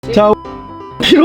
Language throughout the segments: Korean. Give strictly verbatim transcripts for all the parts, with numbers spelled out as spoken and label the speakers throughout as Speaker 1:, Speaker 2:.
Speaker 1: 자, 키로.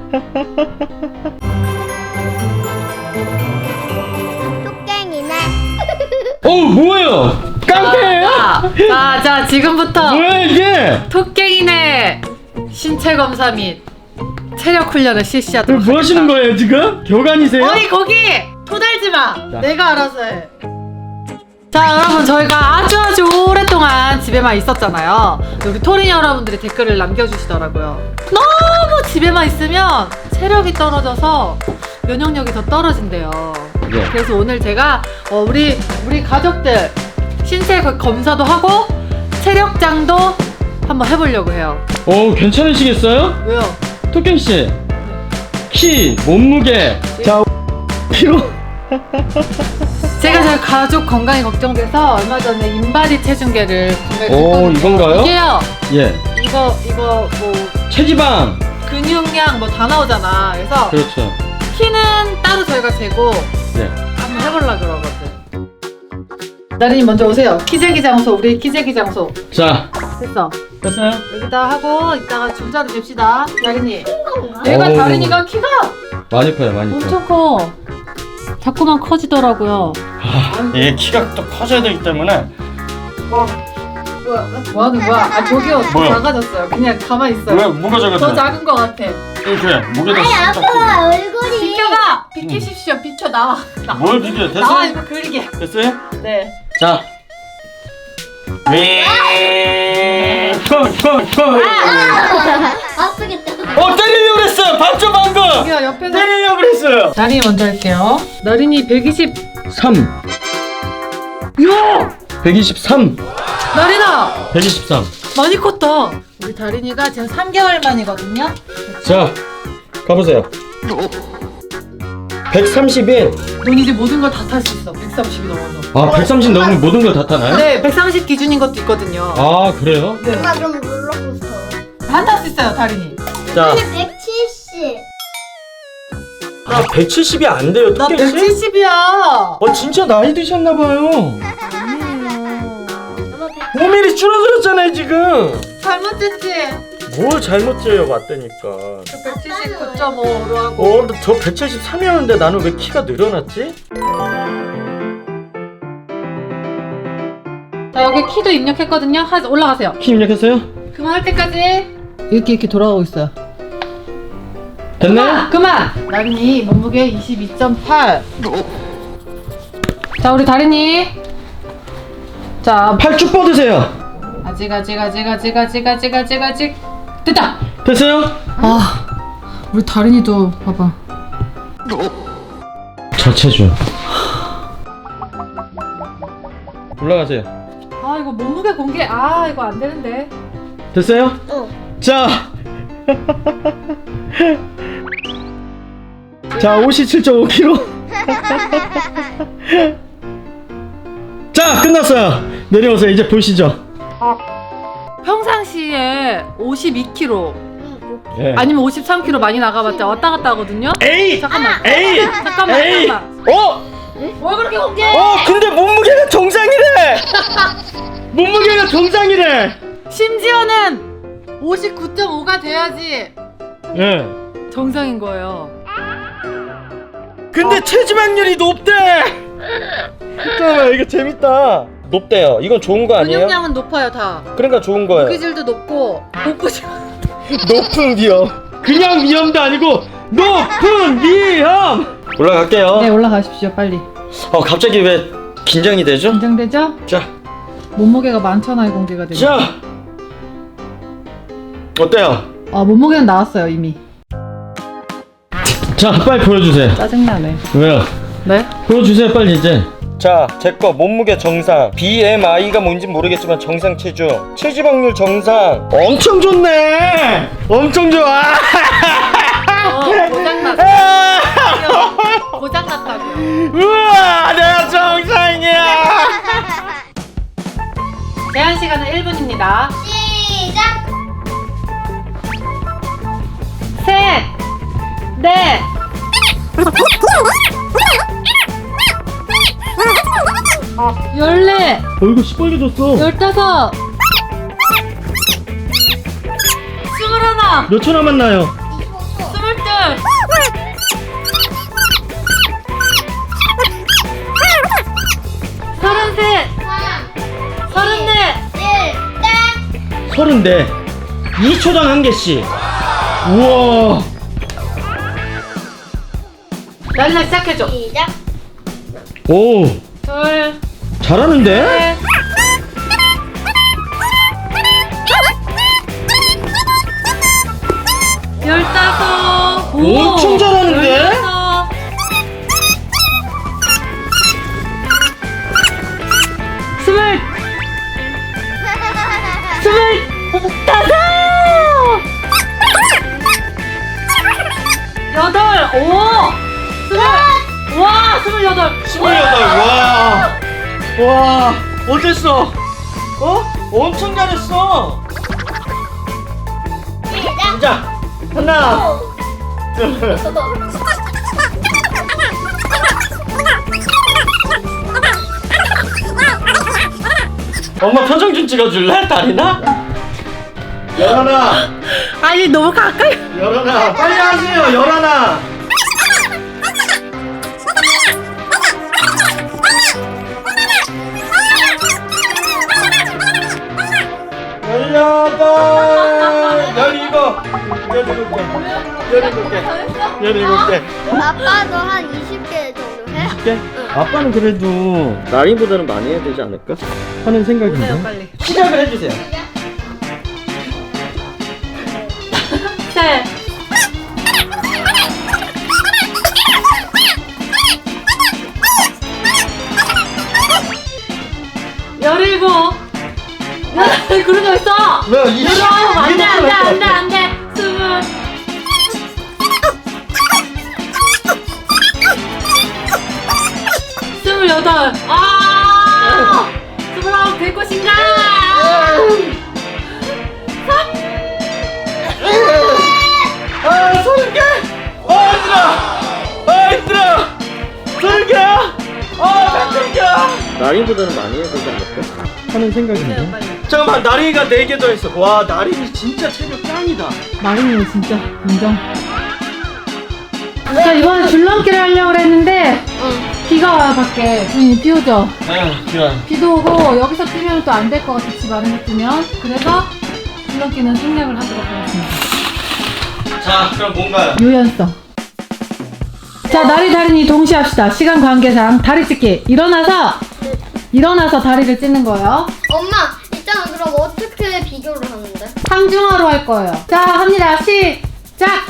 Speaker 2: 뚝갱이네.
Speaker 1: 어, 뭐예요? 깡패예요?
Speaker 3: 자, 자, 지금부터
Speaker 1: 뭐야 이게?
Speaker 3: 토깽이네 신체 검사 및 체력 훈련을 실시하도록
Speaker 1: 뭐 하시는
Speaker 3: 하겠다.
Speaker 1: 거예요 지금? 교관이세요?
Speaker 3: 어이 거기 토달지 마.
Speaker 1: 자.
Speaker 3: 내가 알아서 해. 자, 여러분 저희가 아주 아주 오랫동안 집에만 있었잖아요. 우리 토린 여러분들이 댓글을 남겨주시더라고요. 너무 집에만 있으면 체력이 떨어져서 면역력이 더 떨어진대요.
Speaker 1: 네.
Speaker 3: 그래서 오늘 제가 어, 우리 우리 가족들 신체 거- 검사도 하고 체력장도 한번 해보려고 해요.
Speaker 1: 어, 괜찮으시겠어요?
Speaker 3: 왜요?
Speaker 1: 토끼 씨, 키, 몸무게, 자, 키로.
Speaker 3: 제가 저희 가족 건강이 걱정돼서 얼마 전에 인바디 체중계를 구매를
Speaker 1: 오,
Speaker 3: 했거든요.
Speaker 1: 이건가요?
Speaker 3: 이게요.
Speaker 1: 예,
Speaker 3: 이거 이거 뭐
Speaker 1: 체지방.
Speaker 3: 근육량 뭐 다 나오잖아. 그래서
Speaker 1: 그렇죠.
Speaker 3: 키는 따로 저희가 재고
Speaker 1: 네.
Speaker 3: 한번 해보려 그러거든. 나린이 먼저 오세요. 키재기 장소, 우리 키재기 장소.
Speaker 1: 자,
Speaker 3: 됐어.
Speaker 1: 됐어요?
Speaker 3: 여기다 하고 이따가 줄자로 잽시다. 나린이. 내가
Speaker 1: 어우.
Speaker 3: 다린이가 키가
Speaker 1: 많이 커요, 많이 커.
Speaker 3: 엄청 커. 자꾸만 커지더라고요.
Speaker 1: 예, 키가 또 커져야 되기 때문에.
Speaker 3: 뭐야? 뭐 하는 거야? 아 저기요, 더
Speaker 1: 뭐야?
Speaker 3: 작아졌어요. 그냥 가만히 있어요.
Speaker 1: 왜 뭐가
Speaker 3: 더
Speaker 1: 작았대?
Speaker 3: 작은 거 같아.
Speaker 1: 이렇게 목에다
Speaker 2: 아니
Speaker 1: 딱
Speaker 2: 아빠 얼굴이.
Speaker 3: 비켜봐! 비키십시오. 비켜 나와. 나.
Speaker 1: 뭘 비벼? 됐어?
Speaker 3: 나와 이거 그리게.
Speaker 1: 됐어요?
Speaker 3: 네.
Speaker 1: 자. 왜?
Speaker 2: 아프겠다.
Speaker 1: 어, 때리려고 그랬어요. 봤죠 방금?
Speaker 3: 여기요 옆에서.
Speaker 1: 때리려고 그랬어요.
Speaker 3: 나린이 먼저 할게요. 나린이 백이십.
Speaker 1: 삼.
Speaker 3: 야!
Speaker 1: 백이십삼.
Speaker 3: 나린아!
Speaker 1: 백이십삼.
Speaker 3: 많이 컸다. 우리 다린이가 지금 삼 개월 만이거든요.
Speaker 1: 자, 가보세요. 백삼십일.
Speaker 3: 넌 이제 모든 걸 다 탈 수 있어. 백삼십이 넘어서.
Speaker 1: 아, 백삼십 넘으면 모든 걸 다 타나요?
Speaker 3: 네, 백삼십 기준인 것도 있거든요.
Speaker 1: 아, 그래요?
Speaker 3: 네.
Speaker 2: 엄마 그럼 롤러코스터.
Speaker 3: 다 탈 수 있어요, 다린이.
Speaker 1: 자,
Speaker 2: 백칠십.
Speaker 1: 아, 백칠십이 안 돼요,
Speaker 3: 나
Speaker 1: 토끼 씨?
Speaker 3: 백칠십이야.
Speaker 1: 어, 진짜 나이 드셨나봐요.
Speaker 2: 엄마 백.
Speaker 1: 오 밀리미터 줄어들었잖아요, 지금.
Speaker 3: 잘못됐지?
Speaker 1: 뭘 잘못해요, 맞다니까.
Speaker 3: 백칠십구 점 오로 하고.
Speaker 1: 어, 근데 저 백칠십삼이었는데 나는 왜 키가 늘어났지?
Speaker 3: 자, 여기 키도 입력했거든요. 하, 올라가세요.
Speaker 1: 키 입력했어요?
Speaker 3: 그만할 때까지. 이렇게 이렇게 돌아가고 있어요.
Speaker 1: 됐나요?
Speaker 3: 그만! 나린이 몸무게 이십이 점 팔. 자, 우리 다린이. 자,
Speaker 1: 팔 쭉 뻗으세요.
Speaker 3: 아직 아직 아직 아직 아직 아직 아직 아직 됐다!
Speaker 1: 됐어요?
Speaker 3: 아, 우리 다린이도 봐봐.
Speaker 1: 저체중. 올라가세요.
Speaker 3: 아, 이거 몸무게 공개. 아, 이거 안 되는데.
Speaker 1: 됐어요?
Speaker 2: 응.
Speaker 1: 자. 자, 오십칠 점 오 킬로그램. 자, 끝났어요. 내려오세요. 이제 보시죠.
Speaker 3: 평상시에 오십이 킬로그램
Speaker 1: 예.
Speaker 3: 아니면 오십삼 킬로그램 많이 나가봤자 왔다 갔다 하거든요.
Speaker 1: 에이!
Speaker 3: 잠깐만.
Speaker 1: 에이!
Speaker 3: 잠깐만.
Speaker 1: 에이!
Speaker 3: 잠깐만.
Speaker 1: 어?
Speaker 3: 뭘 그렇게 공개?
Speaker 1: 어, 근데 몸무게가 정상이래. 몸무게가 정상이래.
Speaker 3: 심지어는 오십구 점 오가 돼야지
Speaker 1: 예.
Speaker 3: 정상인 거예요.
Speaker 1: 근데 체지방률이 높대. 잠깐만, 이거 재밌다. 높대요. 이건 좋은 거 아니에요?
Speaker 3: 근육량은 높아요 다.
Speaker 1: 그러니까 좋은 거예요.
Speaker 3: 고기질도 높고 복부질.
Speaker 1: 높은 위험. 그냥 위험도 아니고 높은 위험. 올라갈게요.
Speaker 3: 네, 올라가십시오 빨리.
Speaker 1: 어, 갑자기 왜 긴장이 되죠?
Speaker 3: 긴장되죠?
Speaker 1: 자,
Speaker 3: 몸무게가 많잖아요 공개가 되면.
Speaker 1: 자. 어때요?
Speaker 3: 아, 몸무게는 나왔어요 이미.
Speaker 1: 자, 빨리 보여주세요.
Speaker 3: 짜증나네.
Speaker 1: 왜요?
Speaker 3: 네?
Speaker 1: 보여주세요, 빨리 이제. 자, 제 거 몸무게 정상, 비엠아이가 뭔지 모르겠지만 정상 체중, 체지방률 정상. 엄청 좋네. 엄청 좋아.
Speaker 3: 어, 고장났어. 고장났다고요.
Speaker 1: 우와, 내가 정상이야.
Speaker 3: 제한 시간은 일 분입니다.
Speaker 2: 시작.
Speaker 3: 셋, 넷, 열네,
Speaker 1: 얼굴 시뻘개졌어.
Speaker 3: 열다섯, 스물하나.
Speaker 1: 몇 초 남았나요?
Speaker 3: 스물 둘. 서른셋. 서른넷.
Speaker 1: 서른네. 이 초당 한 개씩. 우와.
Speaker 3: 날라 시작해줘.
Speaker 2: 시작.
Speaker 1: 오,
Speaker 3: 둘.
Speaker 1: 잘하는데?
Speaker 3: 셋. 열다섯. 오,
Speaker 1: 엄청 잘하는데?
Speaker 3: 열여섯. 스물. 스물 다섯. 여덟. 오. 스물. 와, 스물여덟.
Speaker 1: 스물여덟. 와. 와, 어땠어? 어? 엄청 잘했어.
Speaker 2: 시작.
Speaker 1: 자, 하나, 둘. 엄마 표정 좀 찍어줄래? 다리나? 열하나,
Speaker 3: 아니, 너무 가까이.
Speaker 1: 열하나, 빨리 하세요. 열하나. 열여덟, 열일곱, 열일곱 개, 열일곱 개, 열일곱 개.
Speaker 2: 아빠도 한 이십 개 정도 해?
Speaker 1: 개? 아빠는 그래도 나리보다는 많이 해야 되지 않을까? 하는 생각인데.
Speaker 3: 보세요, 빨리.
Speaker 1: 시작을 해주세요.
Speaker 3: 셋. 열일곱. 야, 그런 거 있어.
Speaker 1: 왜 이십?
Speaker 3: 열아홉. 안 돼, 안 돼, 안 돼, 안 돼. 스물. 스물여덟. 아! 스물아홉 될 것인가?
Speaker 1: 아, 서른 개! 아, 힘들어! 아, 힘들어! 서른 개야! 아, 백천 개야! 나린보다는 많이 해야 되지 않을까? 하는
Speaker 3: 보세요,
Speaker 1: 생각인데.
Speaker 3: 빨리.
Speaker 1: 잠깐만, 나린이가 네 개 더 했어. 와, 나린이 진짜 체력 짱이다.
Speaker 3: 마린이 진짜 인정. 자, 이번에 줄넘기를 하려고 했는데 비가 와요 밖에. 부인이 비 오죠?
Speaker 1: 아, 좋아.
Speaker 3: 비도 오고 여기서 뛰면 또 안 될 것 같아. 집 안에서 뛰면. 그래서 줄넘기는 생략을 하도록 하겠습니다.
Speaker 1: 자, 그럼 뭔가요?
Speaker 3: 유연성. 자, 나리 다리니 동시에 합시다. 시간 관계상 다리 찢기. 일어나서 일어나서 다리를 찢는 거예요.
Speaker 2: 엄마, 있잖아. 그럼 어떻게 비교를 하는데?
Speaker 3: 상중하로 할 거예요. 자, 합니다. 시작.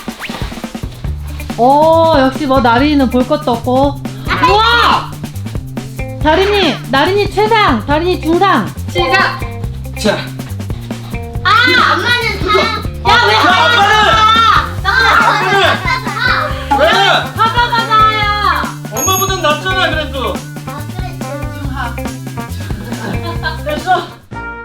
Speaker 3: 오, 역시 뭐 나린이는 볼 것도 없고. 우와! 다린이, 나린이 최상, 다린이 중상. 시작.
Speaker 1: 자,
Speaker 2: 아, 엄마는 다.
Speaker 3: 야, 왜
Speaker 1: 자, 아빠는!
Speaker 2: 아빠는.
Speaker 1: 왜?
Speaker 3: 하자마자야.
Speaker 1: 엄마보단 낫잖아, 그래도.
Speaker 3: 중하.
Speaker 1: 됐어?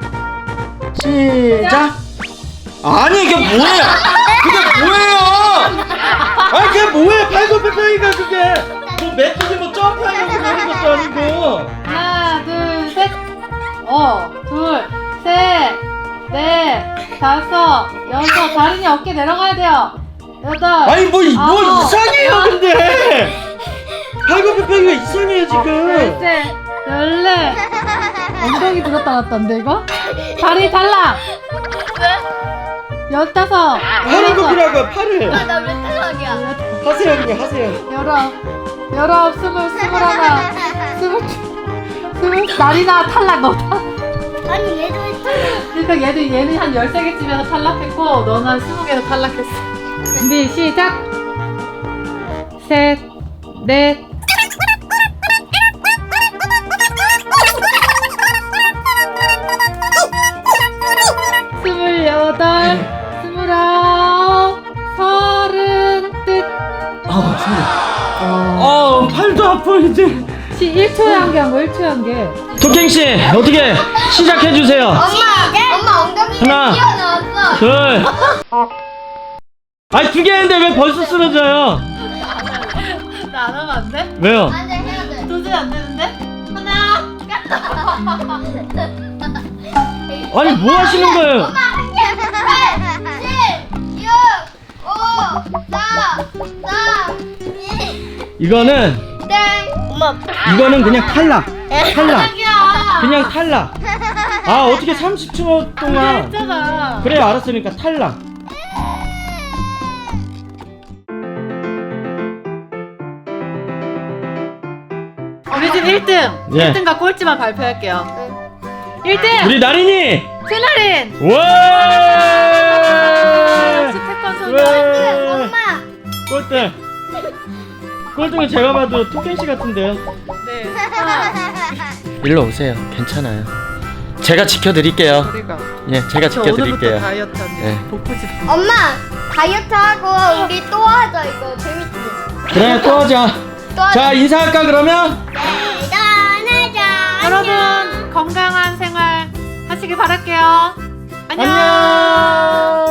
Speaker 1: 시작. 아니, 이게 뭐예요? 그게 뭐예요? 아니, 그게 뭐예요? 팔굽혀펴기가 그게. 뭐 메뚜기 뭐 점프하려고 그러는 것도 아니고.
Speaker 3: 하나, 둘, 셋. 어, 둘, 셋, 넷, 다섯, 여섯. 다린이 어깨 내려가야 돼요. 여덟.
Speaker 1: 아니, 뭐, 이- 뭐
Speaker 3: 아홉,
Speaker 1: 이상해요,
Speaker 3: 열,
Speaker 1: 근데. 팔굽혀펴기가 이상해요, 지금.
Speaker 3: 열셋, 열넷. 엉덩이 들었다 놨던데 이거? 다리 탈락. 열다섯,
Speaker 1: 팔을
Speaker 3: 열여섯,
Speaker 1: 굽히라고요, 팔을.
Speaker 2: 나왜 탈락이야?
Speaker 1: 하세요, 그냥 하세요.
Speaker 3: 열아홉, 열아홉, 스물, 스물하나, 스물, 스물. 나리나 탈락. 너 탈락.
Speaker 2: 아니, 얘도 했잖아.
Speaker 3: 그러니까 얘도 얘는 한 열세 개쯤에서 탈락했고 너는 한 스무 개에서 탈락했어. 준비 시작. 셋, 넷. 스물여덟, 스물아홉, 서른, 뜻.
Speaker 1: 아, 소리.
Speaker 3: 어,
Speaker 1: 어, 팔도 아파, 이제.
Speaker 3: 시 일 초에 한 개 한 거, 일 초에 한 개.
Speaker 1: 토킹씨, 어떻게 시작해주세요.
Speaker 2: 엄마, 엄마 엉덩이가
Speaker 1: 하나.
Speaker 2: 튀어나왔어.
Speaker 1: 둘. 아니, 두 개 했는데 왜 벌써 쓰러져요?
Speaker 3: 나 안 하면 안 돼?
Speaker 1: 왜요?
Speaker 2: 안 돼, 해야 돼.
Speaker 3: 도저히 안 되는데? 하나.
Speaker 1: 아니, 뭐 하시는 거예요?
Speaker 2: 엄마, 한 개, 팔, 칠, 육,
Speaker 1: 이거는
Speaker 2: 땡. 엄마.
Speaker 1: 이거는 그냥 탈락. 탈락.
Speaker 3: 자기야.
Speaker 1: 그냥 탈락. 아 어떻게 삼십 초 동안.
Speaker 3: 했잖아.
Speaker 1: 그래 알았으니까 탈락.
Speaker 3: 우리 집 일 등.
Speaker 1: 예.
Speaker 3: 일 등과 꼴찌만 발표할게요. 일 등.
Speaker 1: 우리 나린이.
Speaker 3: 세나린.
Speaker 1: 와.
Speaker 3: 역시 태권 선수.
Speaker 1: 와.
Speaker 2: 엄마.
Speaker 1: 꼴등. 꼴등은 제가 봐도 토끼 씨 같은데요.
Speaker 3: 네. 하나.
Speaker 1: 일로 오세요. 괜찮아요. 제가 지켜드릴게요.
Speaker 3: 우리가.
Speaker 1: 예, 제가
Speaker 3: 저 오늘부터
Speaker 1: 지켜드릴게요.
Speaker 3: 다이어트 하는
Speaker 1: 네.
Speaker 3: 복부집.
Speaker 2: 엄마 다이어트 하고 우리 또 하자 이거 재밌지.
Speaker 1: 그래 또 하자.
Speaker 2: 또 하자.
Speaker 1: 자 인사할까 그러면?
Speaker 2: 대단하자.
Speaker 3: 여러분 건강한 생활 하시길 바랄게요. 안녕.
Speaker 1: 안녕.